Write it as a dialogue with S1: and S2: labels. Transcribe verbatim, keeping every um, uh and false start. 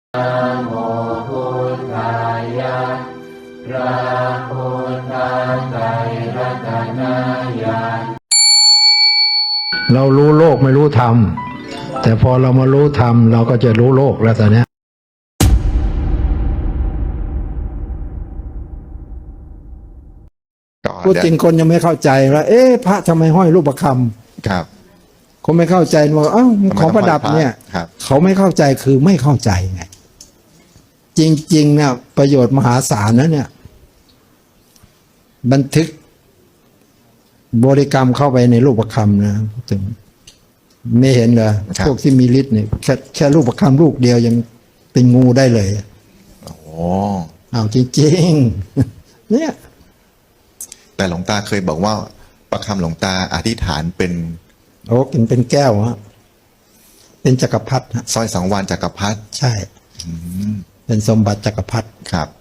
S1: นะโมพุทธายะพระพุทธไตรรัตนญาณ
S2: เรารู้โลกไม่รู้ธรรมแต่พอเรามารู้ธรรมเราก็จะรู้โลกแล้วตอนนี้พูดจริงคนยังไม่เข้าใจว่าเอ๊ะพระทำไมห้อยรูปประคำ
S3: ครับ
S2: คนไม่เข้าใจว่าอ้าวของประดับเนี่ยเขาไม่เข้าใจคือไม่เข้าใจไงจริงๆเนี่ยประโยชน์มหาศาลนะเนี่ยบันทึกบริกรรมเข้าไปในรูปประคำนะถึงไม่เห็นเหรอพวกที่มีฤทธิ์เนี่ยแค่แค่รูปประคำลูกเดียวยังเป็นงูได้เลย
S3: โอ้
S2: เอาจริงๆเนี่ย
S3: แต่หลวงตาเคยบอกว่าประคำหลวงตาอธิษฐานเป็น
S2: โอ้เป็นเป็นแก้วฮะเป็นจักรพรรดิ
S3: สร้อยสังวาลจักรพรรดิ
S2: ใช่เป็นสมบัติจักรพรรดิ
S3: ครับ